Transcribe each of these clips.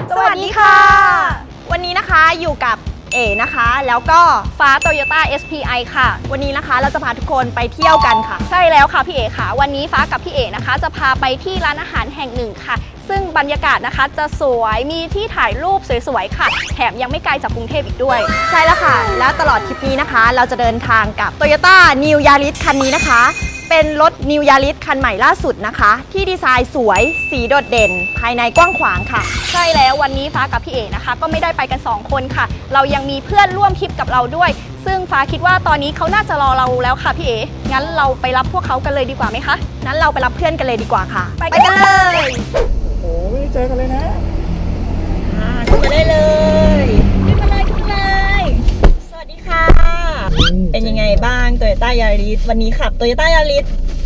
สวัสดีค่ะวันนี้นะคะอยู่กับเอ๋นะคะแล้วก็ฟ้า Toyota SPI ค่ะวันนี้นะคะเราจะพาทุกคนไปเที่ยวกันค่ะใช่แล้วค่ะพี่เอ๋ค่ะวันนี้ฟ้ากับพี่เอ๋นะคะจะพาไปที่ร้านอาหารแห่งหนึ่งค่ะซึ่งบรรยากาศนะคะจะสวยมีที่ถ่ายรูปสวยๆค่ะแถมยังไม่ไกลจากกรุงเทพอีกด้วยใช่แล้วค่ะและตลอดทริปนี้นะคะเราจะเดินทางกับ Toyota New Yaris คันนี้นะคะเป็นรถ New Yaris คันใหม่ล่าสุดนะคะที่ดีไซน์สวยสีโดดเด่นภายในกว้างขวางค่ะใช่แล้ววันนี้ฟ้ากับพี่เอ๋นะคะก็ไม่ได้ไปกัน2คนค่ะเรายังมีเพื่อนร่วมทริปกับเราด้วยซึ่งฟ้าคิดว่าตอนนี้เขาน่าจะรอเราแล้วค่ะพี่เอ๋งั้นเราไปรับพวกเขากันเลยดีกว่าไหมคะงั้นเราไปรับเพื่อนกันเลยดีกว่าค่ะไปกันเลยโอ้ไม่ได้เจอกันเลยนะขึ้นมาได้เลยขึ้นมาเลยสวัสดีค่ะเป็นยังไงบ้าง Toyota Yaris วันนี้ขับ Toyota Yaris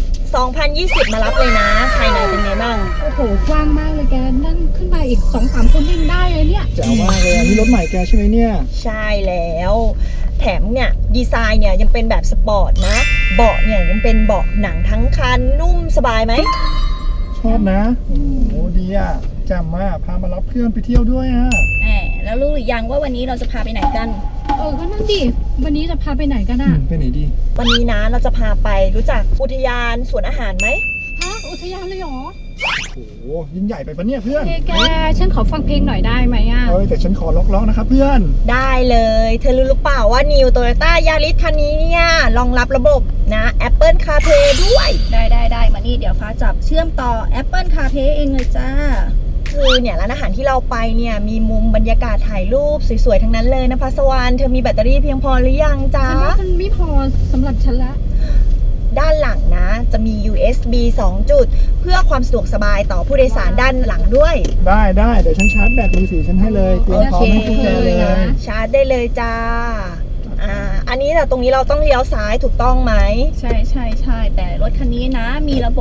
2020 มารับเลยนะภายในเป็นไงบ้างโอ้โหกว้างมากเลยแกนั่งขึ้นมาอีก 2-3 คนยังได้เลยเนี่ยแจ๋วมากเลยอันนี้รถใหม่แกใช่ไหมเนี่ยใช่แล้วแถมเนี่ยดีไซน์เนี่ยยังเป็นแบบสปอร์ตนะเบาะเนี่ยยังเป็นเบาะหนังทั้งคันนุ่มสบายไหมชอบนะโอ้โหดีอ่ะแจ่มมากพามารับเพื่อนไปเที่ยวด้วยอ่ะแล้วรู้หรือยังว่าวันนี้เราจะพาไปไหนกันก็นั่นดิวันนี้จะพาไปไหนกันอ่ะไปไหนดีวันนี้นะเราจะพาไปรู้จักอุทยานสวนอาหารไหมฮะอุทยานเลยเหรอโอ้โหยิ่งใหญ่ไปปะเนี่ยเพื่อนแกฉันขอฟังเพลงหน่อยได้ไหมอ่ะแต่ฉันขอล็อกๆนะครับเพื่อนได้เลยเธอรู้หรือเปล่าว่า New Toyota Yaris คันนี้เนี่ยรองรับระบบนะ Apple CarPlay ด้วยได้มานี่เดี๋ยวฟ้าจับเชื่อมต่อ Apple CarPlay เองเลยจ้าคือเนี่ยร้านอาหารที่เราไปเนี่ยมีมุมบรรยากาศถ่ายรูปสวยๆทั้งนั้นเลยนะพัสวรรณเธอมีแบตเตอรี่เพียงพอหรือยังจ๊ะฉันว่ามันไม่พอสำหรับฉันละด้านหลังนะจะมี USB 2 จุดเพื่อความสะดวกสบายต่อผู้โดยสารด้านหลังด้วยได้เดี๋ยวฉันชาร์จแบตมือถือฉันให้เลยเตรียมพร้อมให้พวกแกเลยชาร์จได้เลยจ้าอันนี้แต่ตรงนี้เราต้องเลี้ยวซ้ายถูกต้องไหมใช่แต่รถคันนี้นะมีระบบ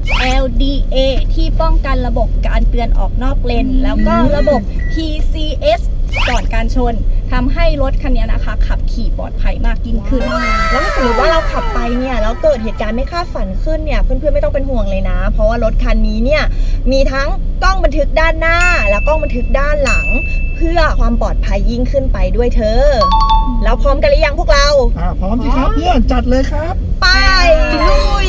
LDA ที่ป้องกันระบบการเตือนออกนอกเลนแล้วก็ระบบ PCS ก่อนการชนทำให้รถคันนี้นะคะขับขี่ปลอดภัยมากยิ่งขึ้นแล้วถ้าสมมติว่าเราขับไปเนี่ยแล้วเกิดเหตุการณ์ไม่คาดฝันขึ้นเนี่ยเพื่อนๆไม่ต้องเป็นห่วงเลยนะเพราะว่ารถคันนี้เนี่ยมีทั้งกล้องบันทึกด้านหน้าและกล้องบันทึกด้านหลังเพื่อความปลอดภัยยิ่งขึ้นไปด้วยเธอแล้วพร้อมกันหรือยังพวกเราพร้อมสิครับเพื่อนจัดเลยครับไปลุย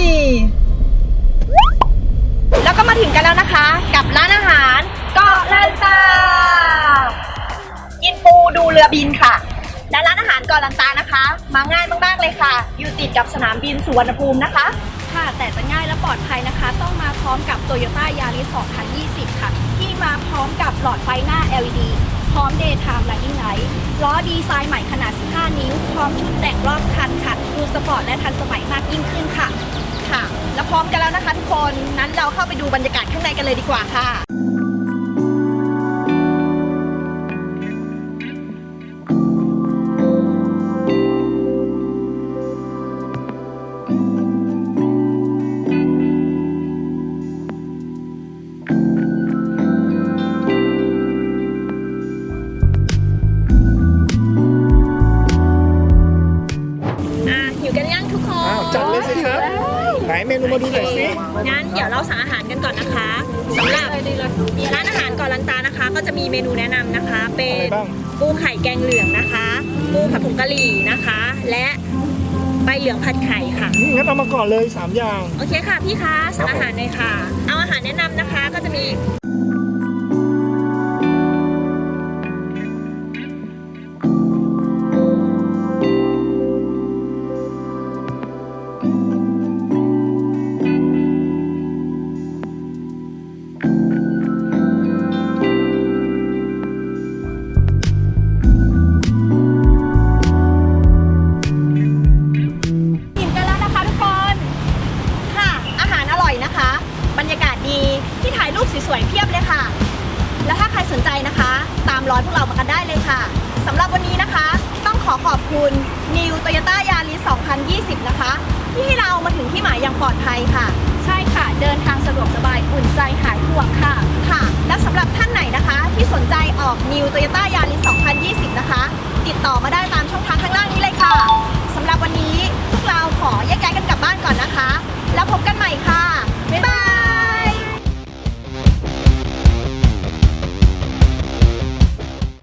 แล้วก็มาถึงกันแล้วนะคะกับร้านอาหารเกาะลันตากินปูดูเรือบินค่ะและร้านอาหารเกาะลันตานะคะมาง่ายมากๆเลยค่ะอยู่ติดกับสนามบินสุวรรณภูมินะคะค่ะแต่จะง่ายและปลอดภัยนะคะต้องมาพร้อมกับ Toyota Yaris 2020 ค่ะที่มาพร้อมกับหลอดไฟหน้า LED พร้อม Daytime Running Light ล้อดีไซน์ใหม่ขนาด 15 นิ้วพร้อมชุดแต่งรอบคันค่ะดูสปอร์ตและทันสมัยมากยิ่งขึ้นค่ะแล้วพร้อมกันแล้วนะคะทุกคนนั้นเราเข้าไปดูบรรยากาศข้างในกันเลยดีกว่าค่ะหิวกันยังทุกคนจัดเลยสิครับไหนเมนูมาดูหน่อยสิงั้นเดี๋ยวเราสั่งอาหารกันก่อนนะคะสำหรับร้านอาหารเกาะลันตานะคะก็จะมีเมนูแนะนำนะคะเป็นปูไข่แกงเหลืองนะคะปูผัดผงกะหรี่นะคะและใบเหลืองผัดไข่ค่ะงั้นเอามาก่อนเลย3อย่างโอเคค่ะพี่คะสั่งอาหารเลยค่ะเอาอาหารแนะนำนะคะก็จะมีบรรยากาศดีที่ถ่ายรูปสวยๆเพียบเลยค่ะแล้วถ้าใครสนใจนะคะตามรอยพวกเรามากันได้เลยค่ะสำหรับวันนี้นะคะต้องขอบคุณ New Toyota Yaris 2020 นะคะที่ให้เรามาถึงที่หมายอย่างปลอดภัยค่ะใช่ค่ะเดินทางสะดวกสบายอุ่นใจหายห่วงค่ะและสำหรับท่านไหนนะคะที่สนใจออก New Toyota Yaris 2020 นะคะติดต่อมาได้ตามช่องทางข้างล่างนี้เลยค่ะสำหรับวันนี้พวกเราขอแยกย้ายกันกลับบ้านก่อนนะคะแล้วพบกัน